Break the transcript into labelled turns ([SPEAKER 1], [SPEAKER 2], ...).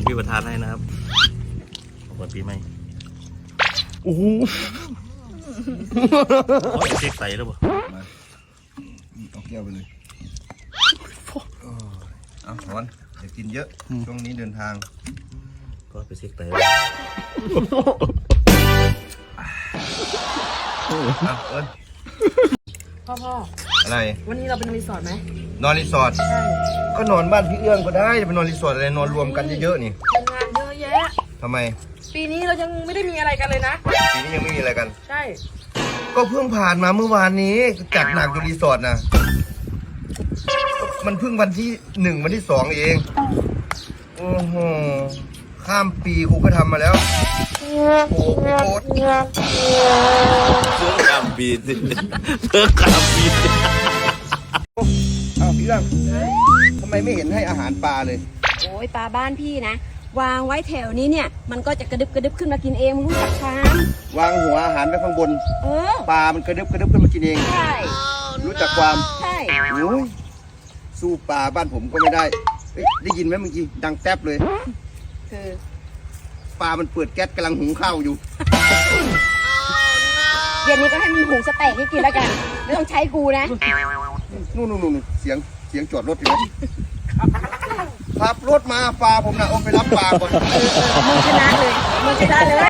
[SPEAKER 1] พี่ประธานให้นะครับขอบคุณพี่ไหมโอ้โหเช็คใส่แล้วป่ะ
[SPEAKER 2] เอาแก้วไปเลยเอาถอนอย่ากินเยอะช่วงนี้เดินทาง
[SPEAKER 1] ก็ไปเช็คไต
[SPEAKER 2] เอาเอิญ
[SPEAKER 3] พ่อ
[SPEAKER 2] อะไร
[SPEAKER 3] วันนี้เราเป็นรีสอร์ทไหม
[SPEAKER 2] นอนรีสอร์ท
[SPEAKER 3] ใช่
[SPEAKER 2] ก็นอนบ้านพี่เอื้องก็ได้จะไปนอนรีสอร์ทอะไรนอนรวมกันเยอะๆนี่
[SPEAKER 3] ทำงานเยอะแยะ
[SPEAKER 2] ทำไม
[SPEAKER 3] ปีนี้เรายังไม่ได้มีอะไรกันเลยนะ
[SPEAKER 2] ปีนี้ยังไม่มีอะไรกัน
[SPEAKER 3] ใช่
[SPEAKER 2] ก็เพิ่งผ่านมาเมื่อวานนี้จัดหนักอยู่รีสอร์ทนะมันเพิ่งวันที่1วันที่2เองโอ้โหข้ามปีกูก็ทำมาแล้วโอ้โห
[SPEAKER 1] เพิ่งกำบีดเพิ่งกำบีด
[SPEAKER 2] อ้าวพี่เอื้องทำไมไม่เห็นให้อาหารปลาเลย
[SPEAKER 4] โอ้ยปลาบ้านพี่นะวางไว้แถวนี้เนี่ยมันก็จะกระดึบขึ้นมากินเองรู้จักความ
[SPEAKER 2] วางหัวอาหารไว้ข้างบนปลามันกระดึบขึ้นมากินเอง
[SPEAKER 4] ใช่
[SPEAKER 2] รู้จักความ
[SPEAKER 4] ใช่
[SPEAKER 2] โอ้ยสู้ปลาบ้านผมก็ไม่ได้ได้ยินไหมเมื่อกี้ดังแทบเลย
[SPEAKER 4] คือ
[SPEAKER 2] ปลามันเปิดแก๊สกำลังหุงข้าวอยู่
[SPEAKER 4] เดี๋ยวนี้ก็ให้มันหุงสเต็กให้กินแล้วกันไม่ต้องใช้กูนะ
[SPEAKER 2] นู่นเสียงจอดรถอยู่นะขับรถมาปลาผมนะเอาไปรับปลาก่อน
[SPEAKER 4] มึงชนะเลย